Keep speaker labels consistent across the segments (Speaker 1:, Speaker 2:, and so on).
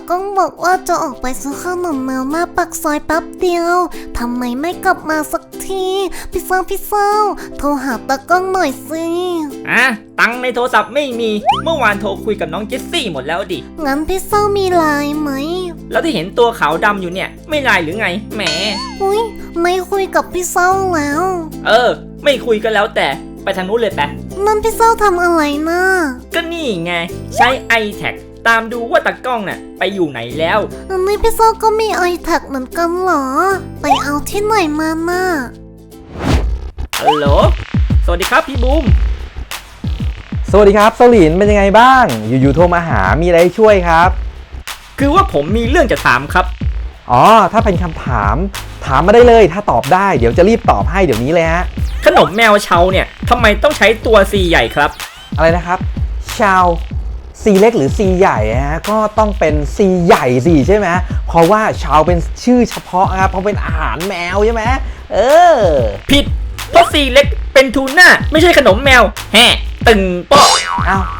Speaker 1: ก้องบอกว่าจะออกไปซื้อขนมแมวหน้าปากซอยแป๊บเดียวทำไมไม่กลับมาสักทีพี่เศร้าโทรหาตากล้องหน่อยสิ
Speaker 2: ตังค์ในโทรศัพท์ไม่มีเมื่อวานโทรคุยกับน้องเจสซี่หมดแล้วดิ
Speaker 1: งั้นพี่เศร้ามีไลน์ไหม
Speaker 2: แล้วที่เห็นตัวขาวดำอยู่เนี่ยไม่ไลน์หรือไงแหม
Speaker 1: อุ้ยไม่คุยกับพี่เศร้าแล้ว
Speaker 2: ไม่คุยก็แล้วแต่ไปทางนู้นเลยแปะ
Speaker 1: นั่นพี่เศร้าทำอะไรนะ
Speaker 2: ก็นี่ไงใช้ iTag ตามดูว่าตากล้องน่ะไปอยู่ไหนแล้ว
Speaker 1: อันนี้พี่เศร้าก็มีiTag เหมือนกันเหรอไปเอาที่ไหนมาน่ะ
Speaker 2: ฮัลโหลสวัสดีครับพี่บูม
Speaker 3: สวัสดีครับโซลินเป็นยังไงบ้างอยู่ๆโทรมาหามีอะไรช่วยครับ
Speaker 2: คือว่าผมมีเรื่องจะถามครับ
Speaker 3: อ๋อถ้าเป็นคำถามมาได้เลยถ้าตอบได้เดี๋ยวจะรีบตอบให้เดี๋ยวนี้เลยฮะ
Speaker 2: ขนมแมวเชาเนี่ยทำไมต้องใช้ตัว C ใหญ่ครับ
Speaker 3: อะไรนะครับชาวซีเล็กหรือซีใหญ่ฮะก็ต้องเป็นซีใหญ่สิใช่ไหมเพราะว่าชาวเป็นชื่อเฉพาะครับเพราะเป็นอาหารแมวใช่ไหม
Speaker 2: ผิดเพราะ C เล็กเป็นทูน่าไม่ใช่ขนมแมวแฮ่ตึงโป๊ะ
Speaker 3: อ้าว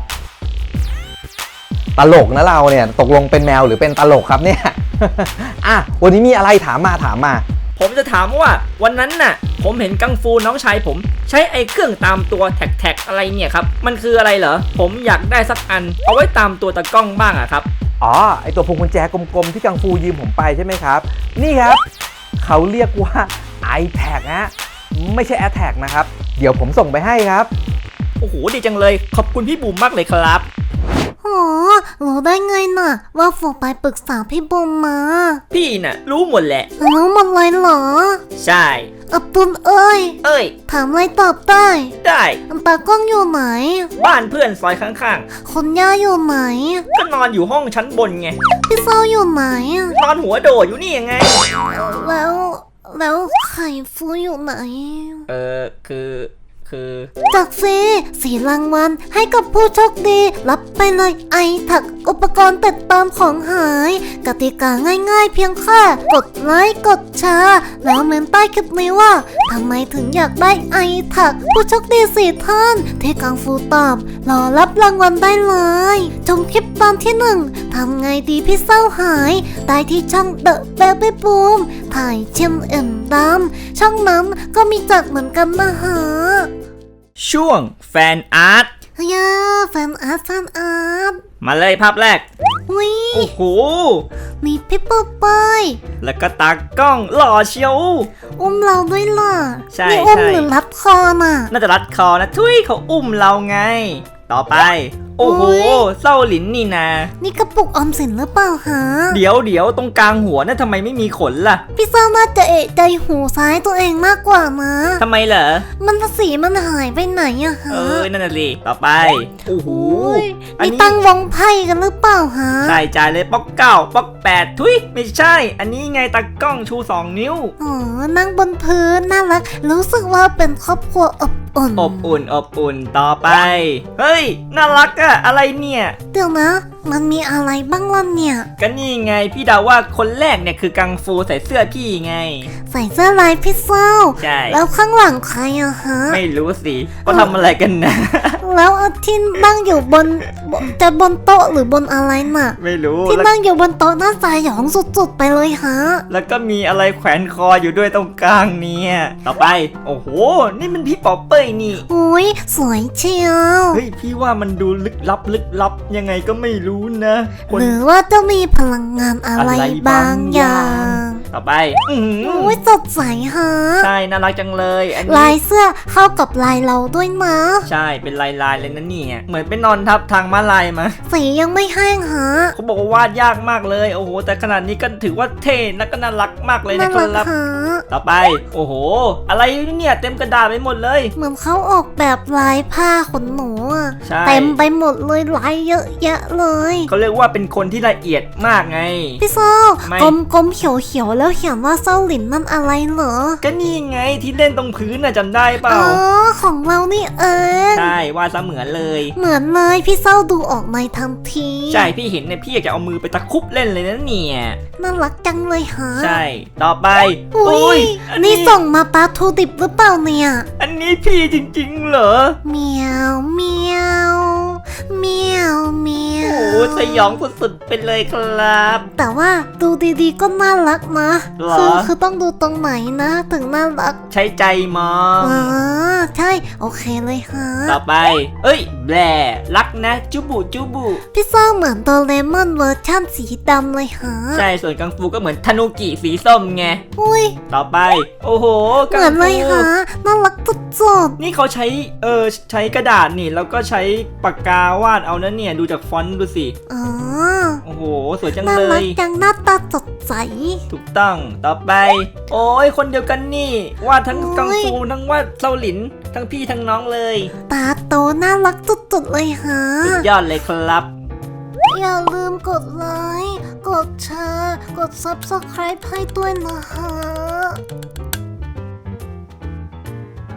Speaker 3: ตลกนะเราเนี่ยตกลงเป็นแมวหรือเป็นตลกครับเนี่ย วันนี้มีอะไรถามมา
Speaker 2: ผมจะถามว่าวันนั้นน่ะผมเห็นกังฟูน้องชายผมใช้ไอ้เครื่องตามตัวแท็กอะไรเนี่ยครับมันคืออะไรเหรอผมอยากได้สักอันเอาไว้ตามตัวตะกล้องบ้างอะครับ
Speaker 3: อ๋อไอตัวพวงกุญแจกลมๆที่กังฟูยืมผมไปใช่ไหมครับนี่ครับเขาเรียกว่า iTag นะไม่ใช่ AirTag นะครับเดี๋ยวผมส่งไปให้ครับ
Speaker 2: โอ้โหดีจังเลยขอบคุณพี่บุ๋มมากเลยครับ
Speaker 1: รู้ได้ไงน่ะว่าฝนไปปรึกษาพี่บุ๋มมา
Speaker 2: พี่น่ะรู้หมดแหละ
Speaker 1: รู้หมดเลยเหรอ
Speaker 2: ใช่
Speaker 1: อับตุลเอ้ยถามอะไรตอบได้ตากล้องอยู่ไหน
Speaker 2: บ้านเพื่อนซอยข้าง
Speaker 1: ๆคนย่าอยู่ไหน
Speaker 2: ก็นอนอยู่ห้องชั้นบนไง
Speaker 1: พี่เศร้าอยู่ไหน
Speaker 2: นอนหัวโดดอยู่นี่ยังไง
Speaker 1: แล้วไข่ฟูอยู่ไหน
Speaker 2: คือ
Speaker 1: จากสีรางวัลให้กับผู้โชคดีรับไปเลยiTag อุปกรณ์ติดตามของหายกติกาง่ายๆเพียงแค่กดไลค์กดแชร์แล้วเมนใต้คลิปนี้ว่าทำไมถึงอยากได้iTag ผู้โชคดี4 ท่านที่กังฟูตอบรอรับรางวัลได้เลยชมคลิปตอนที่1ทำไงดีพี่เศร้าหายได้ที่ช่อง The Baby Boom ถ่ายเชมเอ็มดำช่องนั้นก็มีจัดเหมือนกันนะฮะ
Speaker 2: ช่วงแฟนอาร์ต
Speaker 1: แฟนอาร์ต
Speaker 2: มาเลยภาพแรก
Speaker 1: วิ
Speaker 2: โอ้โห
Speaker 1: มีพี่ปุ๊บเป้ย
Speaker 2: แล้วก็ตากล้องหล่อเชียว
Speaker 1: อุ้มเราด้วยล่ะ
Speaker 2: ใช่
Speaker 1: นี่อุ้มหรือรัดคอน่ะ
Speaker 2: น่าจะรัดคอนะทุยเขาอุ้มเราไงต่อไปโอ้โหเศร้าหลินนี่นา
Speaker 1: นี่กระปุกออมสินหรือเปล่าฮะ
Speaker 2: เดี๋ยวตรงกลางหัวน่ะทำไมไม่มีขนล่ะ
Speaker 1: พี่เศร้าน่าจะเอะใจหูซ้ายตัวเองมากกว่านะ
Speaker 2: ทำไมเหรอ
Speaker 1: มันสีมันหายไปไหนอะฮะ
Speaker 2: นั่นน่ะสิต่อไปโอ้โห
Speaker 1: นี่ตั้งวงไพ่กันหรือเปล่าฮะ
Speaker 2: ใช่จ่ายเลยป๊อก9ป๊อก8ทุยไม่ใช่อันนี้ไงตากล้องชู2 นิ้ว
Speaker 1: นั่งบนพื้นน่ารักรู้สึกว่าเป็นครอบครัวอบ
Speaker 2: อุ่นต่อไปเฮ้ยน่ารักอะอะไรเนี่ย
Speaker 1: เดี๋ยวนะมันมีอะไรบ้างล่ะเนี่ย
Speaker 2: ก็นี่ไงพี่เดาว่าคนแรกเนี่ยคือกังฟูใส่เสื้อพี่ไง
Speaker 1: ใส่เสื้อลายพี่เศร้า
Speaker 2: ใช่
Speaker 1: แล้วข้างหลังใครอะฮะ
Speaker 2: ไม่รู้สิก็ทำอะไรกันนะ
Speaker 1: แล้วที่นั่งอยู่บนโต๊ะหรือบนอะไรน่ะ
Speaker 2: ไม่รู้
Speaker 1: ที่นั่งอยู่บนโต๊ะน่าจะหยองสุดๆไปเลยฮะ
Speaker 2: แล้วก็มีอะไรแขวนคออยู่ด้วยตรงกลางเนี่ยต่อไปโอ้โหนี่มันพี่ป๊อปเป้ยนี่
Speaker 1: อุ้ยสวยเชียว
Speaker 2: เฮ้ยพี่ว่ามันดูลึกลับยังไงก็ไม่รู้นะ
Speaker 1: หรือว่าจะมีพลังงานอะไรบางอย่าง
Speaker 2: ต่อไป
Speaker 1: อุ้ยสดใสฮะ
Speaker 2: ใช่น่ารักจังเลยอันนี้
Speaker 1: ลายเสื้อเข้ากับลายเราด้วยนะ
Speaker 2: ใช่เป็นลายเลยนะเนี่ยเหมือนเป็นนอนทับทางม้าลายมา
Speaker 1: สียังไม่แห้งฮะ
Speaker 2: เขาบอกว่าวาดยากมากเลยโอ้โหแต่ขนาดนี้ก็ถือว่าเท่และก็น่ารักมากเลยนะครับต่อไปโอ้โหอะไรเนี่ยเต็มกระดาษไปหมดเลย
Speaker 1: เหมือนเขาออกแบบลายผ้าขนหนูเต็มไปหมดเลยลายเยอะแยะเลย
Speaker 2: เขาเรียกว่าเป็นคนที่ละเอียดมากไง
Speaker 1: พี่เศร้ากลมเขียวแล้วเขียนว่าเศร้าหลินนั่นอะไรเหรอ
Speaker 2: ก็นี่ไงที่เล่นตรงพื้นน่ะจำได้เปล่า
Speaker 1: ของเรานี่
Speaker 2: ใช่วาดเสมือนเลย
Speaker 1: พี่เศร้าดูออกในทันที
Speaker 2: ใช่พี่เห็นเนี่ยพี่อยากจะเอามือไปตะคุบเล่นเลยนะเนี่ย
Speaker 1: น่ารักจังเลยฮะ
Speaker 2: ใช่ต่อไป
Speaker 1: อุ้ยนี่ส่งมาปลาทูดิบหรือเปล่าเนี่ย
Speaker 2: อันนี้พี่จริงๆเหรอ
Speaker 1: เมียวโอ้
Speaker 2: สสยองสุดๆไปเลยครับ
Speaker 1: แต่ว่าดูดีๆก็น่ารักนะ
Speaker 2: เหรอ
Speaker 1: คือต้องดูตรงไหนนะถึงน่ารัก
Speaker 2: ใช้ใจมอง
Speaker 1: อ๋อใช่โอเคเลยฮะ
Speaker 2: ต่อไป เอ้ยแบลรักนะจุบุจุบุ
Speaker 1: พี่เซอร์เหมือนโดเรมอนเวอร์ชั่นสีดำเลยฮะ
Speaker 2: ใช่ส่วนกังฟูก็เหมือนทานุกิสีส้มไง
Speaker 1: อุ้ย
Speaker 2: ต่อไป โอ้โห
Speaker 1: เหมือนเลยฮะน่ารักสุด
Speaker 2: นี่เขาใช้ใช้กระดาษนี่แล้วก็ใช้ปากกาวาดเอานะเนี่ยดูจากฟอนต์ดูสิ
Speaker 1: ๆอ๋อ
Speaker 2: โอ้โหสวยจัง
Speaker 1: น่า
Speaker 2: เล
Speaker 1: รัก
Speaker 2: ย
Speaker 1: จังหน้าตาสดใส
Speaker 2: ถูกต้องต่อไป โอ้ยคนเดียวกันนี่วาดทั้งกังฟูทั้งวาดเซาหลินทั้งพี่ทั้งน้องเลย
Speaker 1: ตาโตน่ารักสุดๆเลยฮะ
Speaker 2: สุดยอดเลยครับ
Speaker 1: อย่าลืมกดไลค์ กดแชร์ กด Subscribe ให้ด้วยนะฮะ